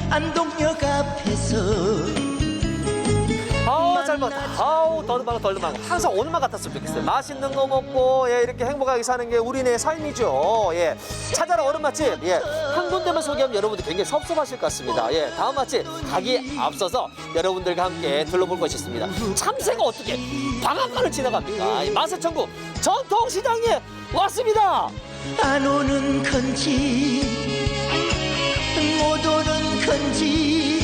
안동역 앞에서 아우 잘 먹었다. 아우 덜듬하고 항상 오늘만 같았으면 좋겠어요. 맛있는 거 먹고 예, 이렇게 행복하게 사는 게 우리네 삶이죠. 예, 찾아라 얼음 맛집. 예, 한 군데만 소개하면 여러분들 굉장히 섭섭하실 것 같습니다. 예, 다음 맛집 가기 앞서서 여러분들과 함께 둘러볼 것이 있습니다. 참새가 어떻게 방앗간을 지나갑니까? 이 맛의 천국 전통시장에 왔습니다. 안 오는 건지 못 오는 건지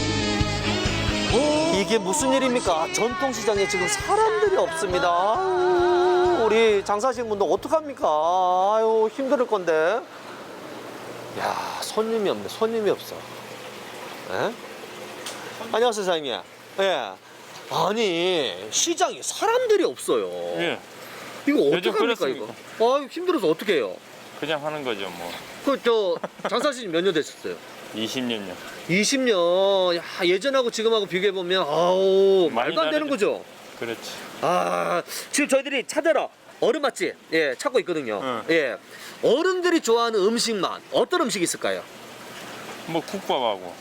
이게 무슨 일입니까? 전통시장에 지금 사람들이 없습니다. 아유, 우리 장사하시는 분들 어떡합니까? 아유, 힘들 건데. 야, 손님이 없네. 손님이 없어. 예? 안녕하세요, 사장님. 예. 아니, 시장에 사람들이 없어요. 예, 이거 요즘 어떡합니까, 이거? 그렇습니까? 아유, 힘들어서 어떻게 해요? 그냥 하는 거죠, 뭐. 장사하신 지 몇 년 되셨어요? 20년요. 20년. 야, 예전하고 지금하고 비교해보면, 아우, 많이 말도 안 되는 다르죠. 거죠? 그렇지. 아, 지금 저희들이 찾아라 얼음 맛집 예 찾고 있거든요. 응. 예, 어른들이 좋아하는 음식만 어떤 음식이 있을까요? 뭐 국밥하고.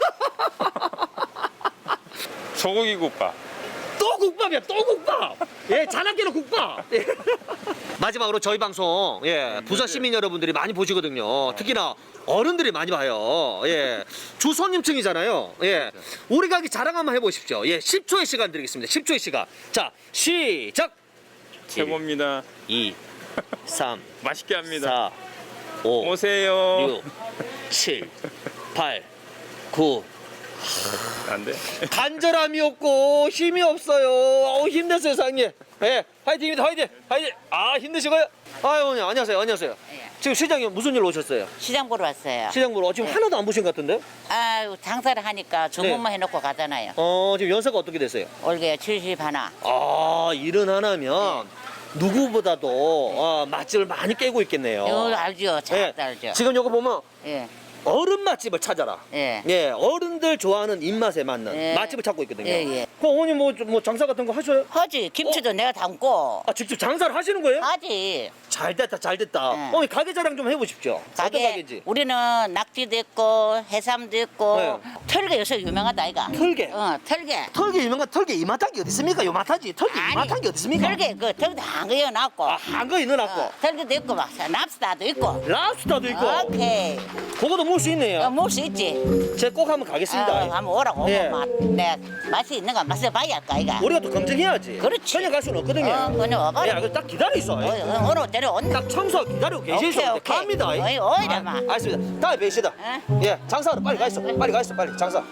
소고기 국밥. 또 국밥이야, 또 국밥. 예, 자나깨는 국밥. 예. 마지막으로 저희 방송 예 부산 시민 여러분들이 많이 보시거든요. 특히나 어른들이 많이 봐요. 예, 주 손님층이잖아요. 예, 우리 가게 자랑 한번 해보십시오. 예, 10초의 시간 드리겠습니다. 10초의 시간. 자, 시작. 최고입니다. 2, 3, 맛있게 합니다. 4, 5, 오세요. 6, 7, 8, 9. 안 돼? 간절함이 없고 힘이 없어요. 어우, 힘내세요, 사장님. 예, 화이팅입니다, 화이팅, 화이팅. 아, 힘내시고요. 아유, 어머니, 안녕하세요, 안녕하세요. 예. 지금 시장에 무슨 일로 오셨어요? 시장 보러 왔어요. 시장 보러 지금 네. 하나도 안 보신 것 같은데? 아유, 장사를 하니까 주문만 해놓고 가잖아요. 지금 연세가 어떻게 되세요? 올게 70 하나. 아, 일은 하나면 누구보다도 맛집을 많이 깨고 있겠네요. 이거 알죠? 잘 예, 알죠? 지금 요거 보면 예. 어른 맛집을 찾아라. 예. 예, 어른들 좋아하는 입맛에 맞는 예. 맛집을 찾고 있거든요. 예, 예. 그럼 어머니 뭐 장사 같은 거 하셔요? 하지. 김치도 내가 담고. 아, 직접 장사를 하시는 거예요? 하지. 잘 됐다, 잘 됐다. 네. 어머니 가게 자랑 좀 해보십시오. 어떤 가게 가게인지. 우리는 낙지도 있고 해삼도 있고 네. 털개 요새 유명하다 아이가. 털개? 털개. 털개 유명한 털개 이마탄 게 어디 있습니까? 요마타지. 털개 이마탄 게 어디 있습니까? 털개 그 털도 한거 넣어놨고. 아, 한거 넣어놨고. 털개도 있고 막 랍스타도 있고. 랍스타도 있고. 오케이. 그거도 먹을 수 있네요. 먹을 수 있지. 제가 꼭 한번 가겠습니다. 한번 오라고. 예. 내 맛이 있는 거 맛을 봐야 할까 아이가. 우리가 또 검증해야지. 그렇지. 그냥 갈 수는 없거든요. 그냥 와봐. 야, 딱 기다려 있어. 오늘 데려온다. 딱 청소 기다리고 계시죠. 오케이. 갑니다. 어이, 어이라마. 알겠습니다. 다음에 뵈시다. 응? 예, 장사하러 빨리 가 있어. 빨리 가 있어. 빨리 장사.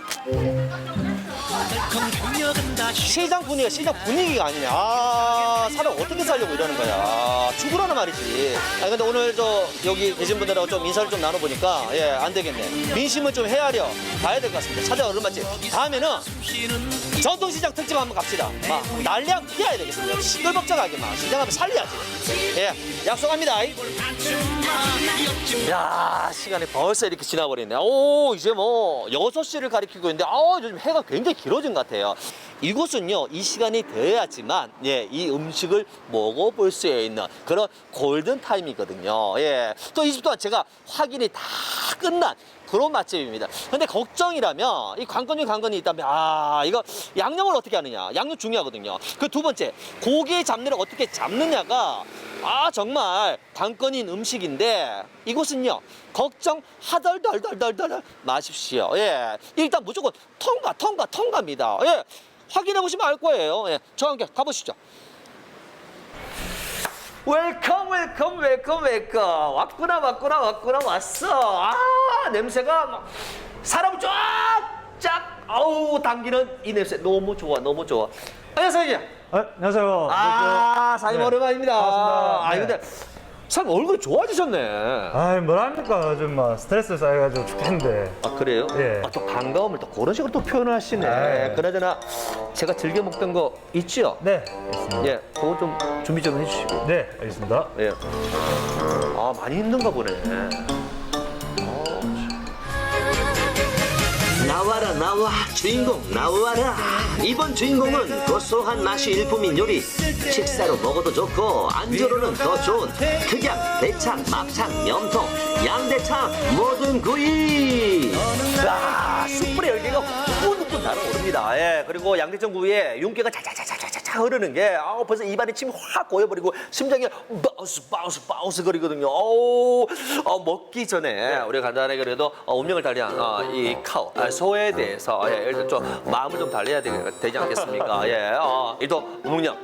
시장 분위기가 아니네. 아, 사람 어떻게 살려고 이러는 거야. 죽으라는 말이지. 아, 근데 오늘 여기 계신 분들하고 좀 인사를 좀 나눠보니까 예, 안 되겠네. 민심을 좀 헤아려 가야 될 것 같습니다. 찾아 얼른 맛집. 다음에는 전통시장 특집 한번 갑시다. 막 난리하고 피해야 되겠습니다. 시끌벅적하게 막 시장 한번 살려야지. 예, 약속합니다. 야, 시간이 벌써 이렇게 지나버리네. 오, 이제 뭐 6시를 가리키고 있는데 요즘 해가 굉장히 길어진 것 같아요. 이곳은요, 이 시간이 되어야지만 예, 이 음식을 먹어볼 수 있는 그런 골든 타임이거든요. 예, 또 이 집 또한 제가 확인이 다 끝난 그런 맛집입니다. 근데 걱정이라면 이 관건이 있다면 이거 양념을 어떻게 하느냐, 양념 중요하거든요. 그 두 번째, 고기의 잡내를 어떻게 잡느냐가 정말 관건인 음식인데 이곳은요, 걱정 하덜덜덜덜덜 마십시오. 예, 일단 무조건 통과입니다. 예, 확인해 보시면 알 거예요. 예, 저와 함께 가보시죠. 웰컴. 왔어. 냄새가 막 사람 쫙 당기는 이 냄새 너무 좋아. 안녕하세요. 안녕하세요. 사장님 네. 오랜만입니다. 반갑습니다. 근데 사장님 얼굴 좋아지셨네. 뭐랍니까. 요즘 스트레스 쌓여가지고 죽겠는데. 그래요? 예. 또 반가움을 또 그런 식으로 또 표현을 하시네. 예. 그나저나 제가 즐겨 먹던 거 있죠? 네, 알겠습니다. 예, 그거 좀 준비 좀 해주시고. 네, 알겠습니다. 예. 많이 힘든가 보네. 나와라. 나와 주인공 나와라. 이번 주인공은 고소한 맛이 일품인 요리. 식사로 먹어도 좋고 안주로는 더 좋은 극양, 대창, 막창, 염통, 양대창 모든 구이. 아, 숯불의 열기가 후끈후끈 달아오릅니다. 예, 그리고 양대창 구이에 윤기가 자자자자자자 흐르는 게 벌써 입안에 침이 확 고여버리고 심장이 바우스 거리거든요. 먹기 전에 우리가 간단하게 그래도 운명을 달리한 이 카우 소에 대해서 일단 좀 마음을 좀 달래야 되지 않겠습니까? 예, 일단 운명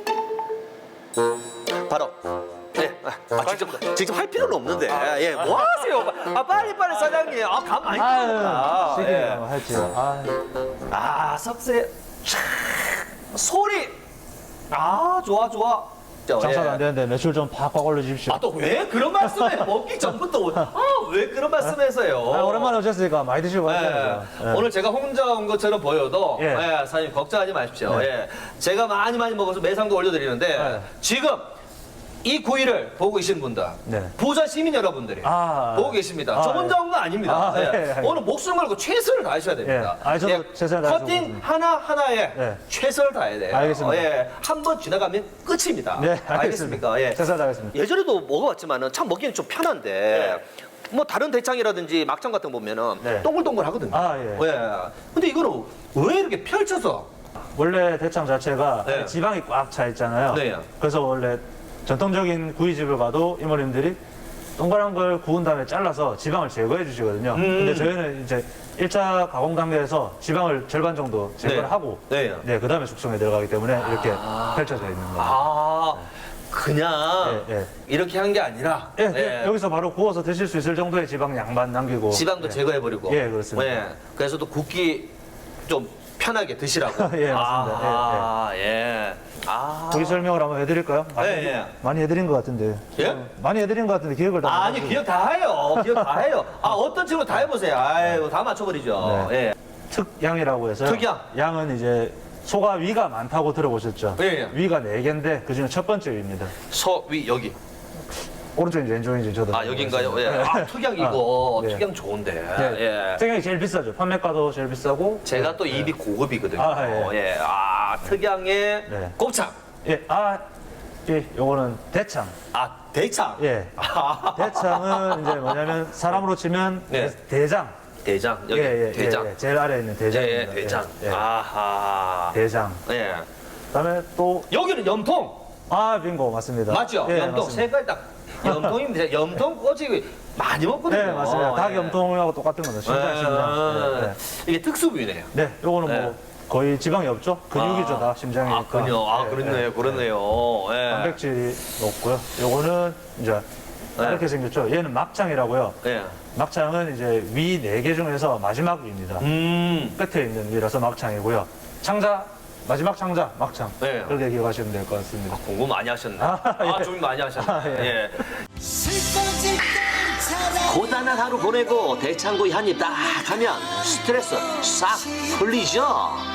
바로. 직접 할 필요는 없는데. 예, 뭐 하세요? 빨리 사장님. 감 많이 듭니다. 시키면 할지요. 석쇠. 소리. 좋아. 장사도 안 되는데 매출 좀 팍팍 올려주십시오. 또 왜 그런 말씀을 먹기 전부터 왜 그런 말씀하세요? 오랜만에 오셨으니까 많이 드시고 가셔야죠. 오늘 제가 혼자 온 것처럼 보여도 예. 사장님 걱정하지 마십시오. 네. 예. 제가 많이 먹어서 매상도 올려드리는데 네. 지금 이 구이를 보고 계신 분들, 네. 부산 시민 여러분들이 보고 계십니다. 저 혼자 온 거 아닙니다. 예. 오늘 목숨 걸고 최선을 다하셔야 됩니다. 예. 저도 최선을 다해서 커팅 먹겠습니다. 하나하나에 네. 최선을 다해야 돼요. 알겠습니다. 예. 한 번 지나가면 끝입니다. 네, 알겠습니까? 예. 최선을 다하겠습니다. 예전에도 먹어봤지만은 참 먹기는 좀 편한데 뭐 다른 대창이라든지 막창 같은 거 보면은 네. 동글동글하거든요. 예. 근데 이거는 왜 이렇게 펼쳐서? 원래 대창 자체가 네. 지방이 꽉 차 있잖아요. 네. 그래서 원래 전통적인 구이집을 가도 이모님들이 동그란 걸 구운 다음에 잘라서 지방을 제거해 주시거든요. 근데 저희는 이제 1차 가공 단계에서 지방을 절반 정도 제거를 네. 하고 네. 그 다음에 숙성에 들어가기 때문에 이렇게 펼쳐져 있는 거예요. 그냥 예. 이렇게 한 게 아니라 여기서 바로 구워서 드실 수 있을 정도의 지방 양만 남기고 지방도 예. 제거해버리고. 예, 그렇습니다. 그래서 또 굽기 좀 편하게 드시라고. 예, 맞습니다. 예. 고기 설명을 한번 해드릴까요? 많이 해드린 것 같은데. 예? 많이 해드린 것 같은데 기억을 다 아니 못 기억 다 해요. 기억 다 해요. 어떤 친구 다 해보세요. 아이고 다 맞춰버리죠. 네. 예. 특양이라고 해서 특양. 양은 이제 소가 위가 많다고 들어보셨죠? 예. 위가 4개인데 그중에 첫 번째 위입니다. 서위 여기. 오른쪽인지 왼쪽인지 저도 여긴가요? 예. 특양 이거 네. 특양 좋은데. 네. 예. 특양이 제일 비싸죠. 판매가도 제일 비싸고. 제가 또 입이 고급이거든요. 예. 특양의 네. 곱창. 요거는 대창. 대창. 예. 대창은 이제 뭐냐면 사람으로 치면 네. 대장. 대장. 여기 대장. 예. 제일 아래에 있는 대장입니다. 대장. 예. 아하. 대장. 예. 그다음에 또 여기는 염통. 빙고 맞습니다. 맞죠? 예, 염통. 맞습니다. 색깔 딱 염통입니다. 염통 꼬치 많이 먹거든요. 네, 맞습니다. 닭 예. 염통하고 똑같은 거죠. 심장. 이게 특수부위네요. 네, 요거는 뭐 거의 지방이 없죠. 근육이죠, 다 심장이니까. 그렇네요. 그렇네요. 예. 단백질이 높고요. 요거는 이제 이렇게 생겼죠. 얘는 막창이라고요. 예. 막창은 이제 위 4개 중에서 마지막 위입니다. 끝에 있는 위라서 막창이고요. 마지막 창자, 막창. 네. 그렇게 기억하시면 될 것 같습니다. 공부 많이 하셨네. 예. 좀 많이 하셨네. 예. 고단한 하루 보내고 대창구이 한 입 딱 하면 스트레스 싹 풀리죠.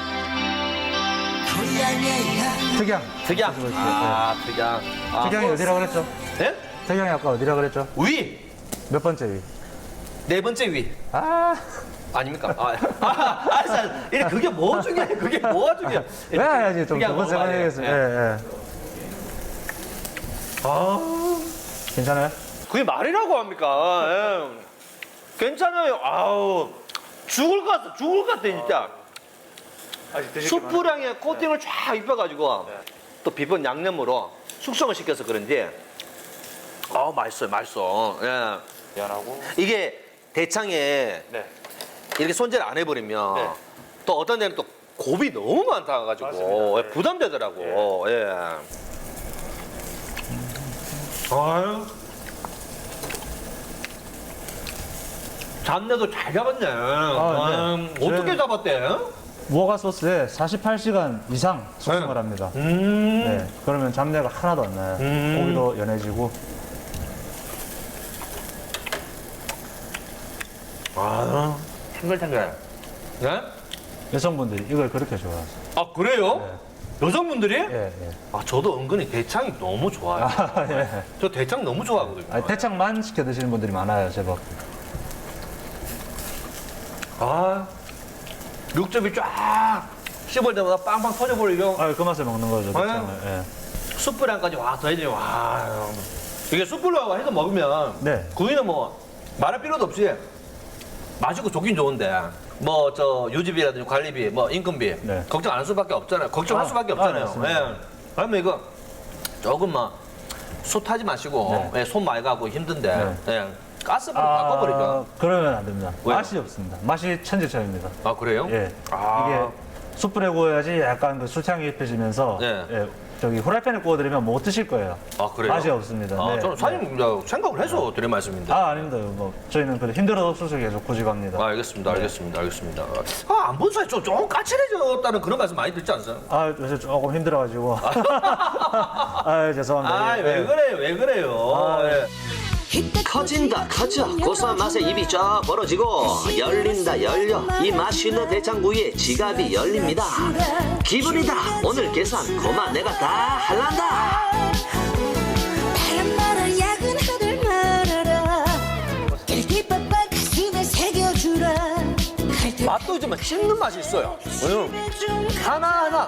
특양. 특양. 특양. 특양이 어디라 그랬죠? 예? 특양이 아까 어디라 그랬죠? 위. 몇 번째 위? 네 번째 위. 아닙니까? 알았어. 그게 뭐 중요해? 그게 뭐가 중요해? 왜 해야지? 좀 두 번째 만 예. 해야겠습니다. 예. 괜찮아요? 그게 말이라고 합니까? 예. 괜찮아요. 죽을 것 같아, 진짜. 숯불향에 코팅을 쫙 입혀가지고 또 비법 양념으로 숙성을 시켜서 그런지 맛있어. 예. 미안하고. 이게 대창에 이렇게 손질 안 해버리면 또 어떤 데는 또 곱이 너무 많다가지고 맞습니다. 네. 부담되더라고. 예. 아유. 잡내도 잘 잡았네. 네. 어떻게 잡았대? 무화과 소스에 48시간 이상 숙성을 합니다. 네, 그러면 잡내가 하나도 안 나요. 고기도 연해지고. 탱글탱글. 네? 여성분들이 이걸 그렇게 좋아하세요. 그래요? 여성분들이? 예. 저도 은근히 대창이 너무 좋아요. 예. 저 대창 너무 좋아하거든요. 대창만 시켜 드시는 분들이 많아요, 제법. 육즙이 쫙 씹을 때마다 빵빵 터져버리죠. 아, 그 맛에 먹는 거죠. 대창을. 예. 숯불향까지 와 더해지네. 와 이게 숯불로 해서 먹으면 네. 구이는 뭐 말할 필요도 없이 맛있고 좋긴 좋은데 뭐 저 유지비라든지 관리비 뭐 인건비 네. 걱정 안 할 수밖에 없잖아요. 걱정할 아, 수밖에 아, 없잖아요. 맞습니다. 예. 그러면 이거 조금 뭐 숯하지 마시고 네. 예, 손 많이 가고 힘든데 네. 예, 가스불로 바꿔버리죠. 그러면 안 됩니다. 왜요? 맛이 없습니다. 맛이 천지차입니다. 아 그래요? 예. 아. 이게 숯불에 구워야지 약간 그 술향이 입혀지면서 네. 예, 저기 후라이팬에 구워드리면 못 드실 거예요. 아 그래요? 맛이 없습니다. 아, 네. 저는 사장님 생각을 해서 드린 말씀인데. 아, 아닙니다. 뭐 저희는 그 힘들어도 수술 계속 고집합니다. 아, 알겠습니다, 알겠습니다. 아, 안 본 사이 좀 까칠해졌다는 그런 말씀 많이 듣지 않으세요? 아, 요새 조금 힘들어가지고. 아, 죄송합니다. 아, 예, 왜 예. 그래요, 왜 그래요? 아, 예. 커진다 커져 고소한 맛에 입이 쫙 벌어지고 열린다 열려 이 맛있는 대창구이에 지갑이 열립니다. 기분이다 오늘 계산 고만 내가 다 할란다. 바람 말아 야근하들 말아라 길티빠빠 가슴에 새겨주라 맛도 있지만 씹는 맛이 있어요. 하나하나.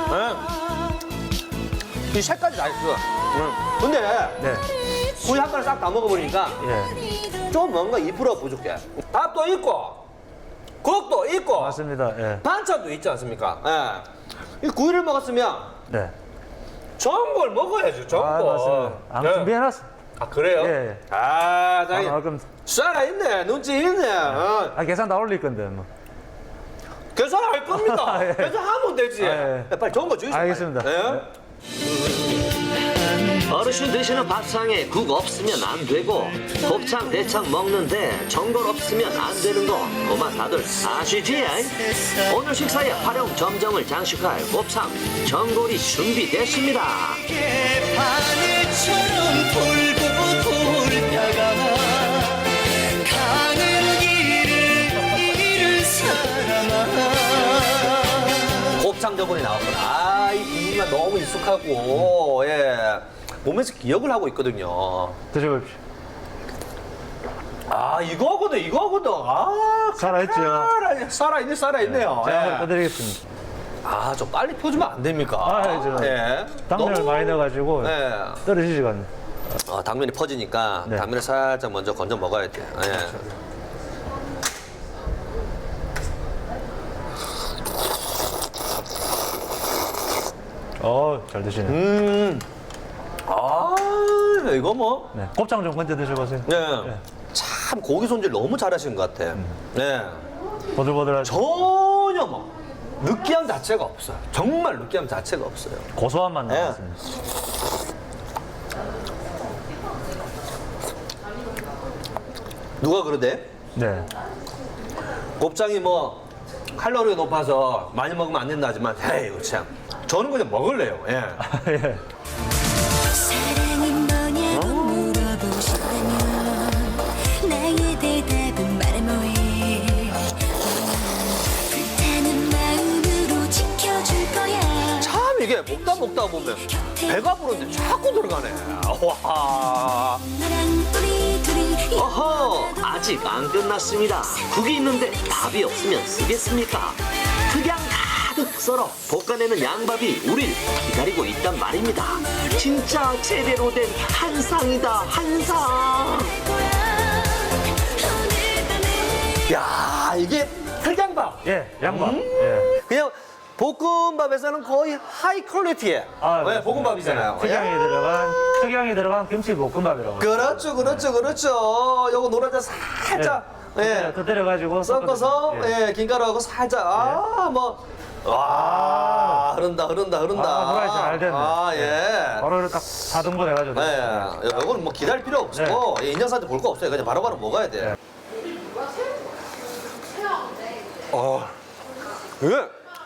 이 색깔이 다 있어. 근데 네. 구이 한 번에 싹 다 먹어보니까 예. 좀 뭔가 2% 부족해. 밥도 있고, 국도 있고, 맞습니다. 예. 반찬도 있지 않습니까? 예. 이 구이를 먹었으면 네. 좋은 걸 먹어야죠, 좋은 아, 거. 맞습니다. 안 예. 준비해놨어. 아, 그래요? 예. 아, 자기 그럼. 살아있네, 눈치 있네. 아, 계산 다 올릴 건데, 뭐. 계산할 겁니다. 예. 계산하면 되지. 아, 예. 빨리 좋은 거 주시죠. 알겠습니다. 빨리. 예? 어르신 드시는 밥상에 국 없으면 안 되고 곱창 대창 먹는데 전골 없으면 안 되는 거 그만 다들 아시지? 오늘 식사에 활용 점정을 장식할 곱창 전골이 준비됐습니다. 바늘처럼 돌고 돌다가 가는 길을 사람아. 곱창 저번에 나왔구나. 아, 이 분위기가 너무 익숙하고, 예. 몸에서 기억을 하고 있거든요. 드셔보십시오. 아, 이거거든. 아, 살아있죠? 살아있네요. 제가 예. 떠드리겠습니다. 아, 좀 빨리 펴주면 안 됩니까? 아, 저 예. 당면을 너무- 많이 넣어가지고 예. 떨어지지가 않네. 당면이 퍼지니까 네. 당면을 살짝 먼저 건져 먹어야 돼. 예. 잘 드시네. 아, 이거 뭐. 네. 곱창 좀 건져 드셔보세요. 네. 네. 참 고기 손질 너무 잘하신 것 같아. 네. 보들보들하죠. 전혀 뭐 느끼함 자체가 없어요. 정말 느끼함 자체가 없어요. 고소한 맛 네. 나왔습니다. 누가 그러대? 네. 곱창이 뭐 칼로리가 높아서 많이 먹으면 안 된다 하지만 에이 이거 참 저는 그냥 먹을래요. 예. 예. 사랑이 뭐냐고 물어보신다면 나의 대답은 말해 뭐해 불타는 마음으로 지켜줄 거야 참 이게 먹다 보면 배가 부른데 자꾸 들어가네. 와. 너랑 우리 둘이 어허 아직 안 끝났습니다. 국이 있는데 밥이 없으면 쓰겠습니까? 그냥 가득 썰어 볶아내는 양밥이 우릴 기다리고 있단 말입니다. 진짜 제대로 된 한상이다 한상. 야 이게 흑양밥. 예, 양밥. 예. 그냥 볶음밥에서는 거의 하이 퀄리티의 네, 볶음밥이잖아요. 특양이 들어간 김치 볶음밥이라고. 그렇죠. 요거 노른자 살짝 터뜨려가지고 섞어서 예. 김가루하고 살짝 와 흐른다. 후라이 잘 됐네. 아 예. 바로 딱 4등분 해가지고. 예. 이건 뭐 기다릴 필요 없고 인형사한테 볼 거 없어요. 그냥 바로바로 먹어야 돼. 이게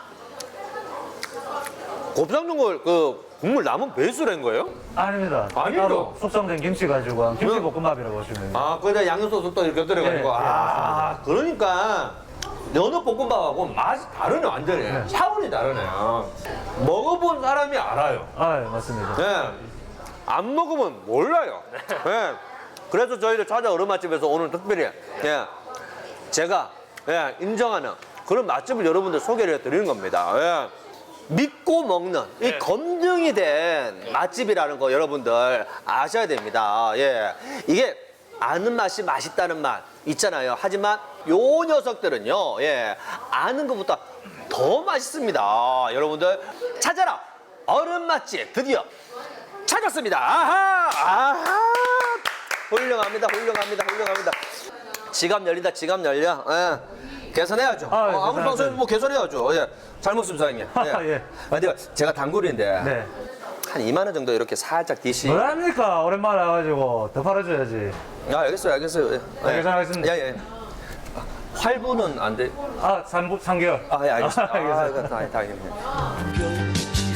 곱창 전골 그 국물 남은 베이스로 한 거예요? 아닙니다. 아니죠. 따로 숙성된 김치 가지고 한 김치 그- 볶음밥이라고 보시면 돼요. 아, 거기다 양념소스 또 이렇게 곁들여가지고. 예, 예, 그러니까 연어 볶음밥하고 맛이 다르네, 완전히. 차원이 다르네. 먹어본 사람이 알아요. 아, 예, 맞습니다. 예. 안 먹으면 몰라요. 예. 그래서 저희들 찾아 얼음맛집에서 오늘 특별히 제가 인정하는 그런 맛집을 여러분들 소개를 해드리는 겁니다. 예. 믿고 먹는 이 검증이 된 맛집이라는 거 여러분들 아셔야 됩니다. 예. 이게 아는 맛이 맛있다는 맛 있잖아요. 하지만 요 녀석들은요, 예, 아는 것보다 더 맛있습니다. 여러분들 찾아라 얼음 맛집 드디어 찾았습니다. 아하, 아하, 훌륭합니다, 훌륭합니다, 훌륭합니다. 지갑 열린다, 지갑 열려. 예. 계산해야죠. 아, 예, 아무리 계산해야죠. 방송 뭐 계산해야죠. 예. 잘 먹습니다, 사장님. 예. 예. 근데 제가 단골인데 네. 한 2만 원 정도 이렇게 살짝 디시. 뭐랍니까? 오랜만에 와가지고 더 팔아줘야지. 아, 알겠어요, 알겠어요. 예. 네, 계산하겠습니다. 예, 예. 아, 활부는 안 돼. 아, 3개월. 아, 예, 알겠습니다. 알겠습니다. 아, 이거 다행이네.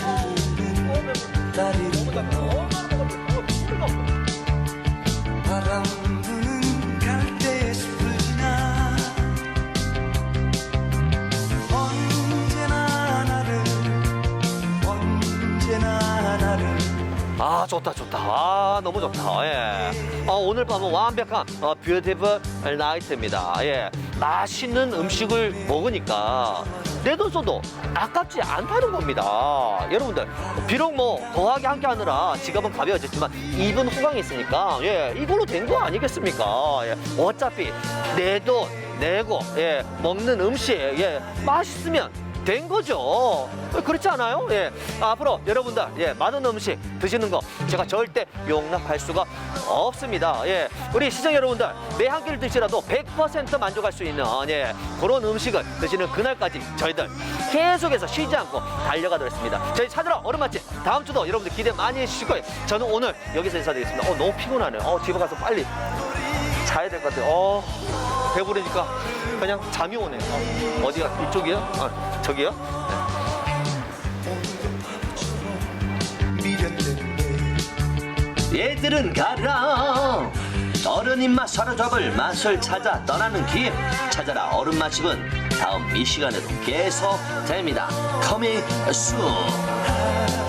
바람 부는 갈대의 숲을 지나 언제나 나를 아, 좋다, 좋다. 아, 너무 좋다. 예. 오늘 밤은 완벽한 뷰티풀 나이트입니다. 예. 맛있는 음식을 먹으니까 내 돈 써도 아깝지 않다는 겁니다. 여러분들, 비록 뭐 더하게 함께 하느라 지갑은 가벼워졌지만 입은 호강이 있으니까, 예, 이걸로 된 거 아니겠습니까? 예. 어차피 내 돈 내고, 예, 먹는 음식, 예, 맛있으면 된 거죠. 그렇지 않아요? 예. 앞으로 여러분들, 예, 많은 음식 드시는 거 제가 절대 용납할 수가 없습니다. 예. 우리 시청 여러분들, 매 한 끼를 드시라도 100% 만족할 수 있는, 예, 그런 음식을 드시는 그날까지 저희들 계속해서 쉬지 않고 달려가도록 했습니다. 저희 찾으러 얼음 맛집 다음 주도 여러분들 기대 많이 해주실 거예요. 저는 오늘 여기서 인사드리겠습니다. 너무 피곤하네요. 집에 가서 빨리 자야 될 것 같아요. 배부르니까 그냥 잠이 오네요. 어디가? 이쪽이요? 저기요? 얘들은 가라. 어른 입맛 사로잡을 맛을 찾아 떠나는 길. 찾아라 얼음 맛집은 다음 이 시간에도 계속 됩니다. Coming soon.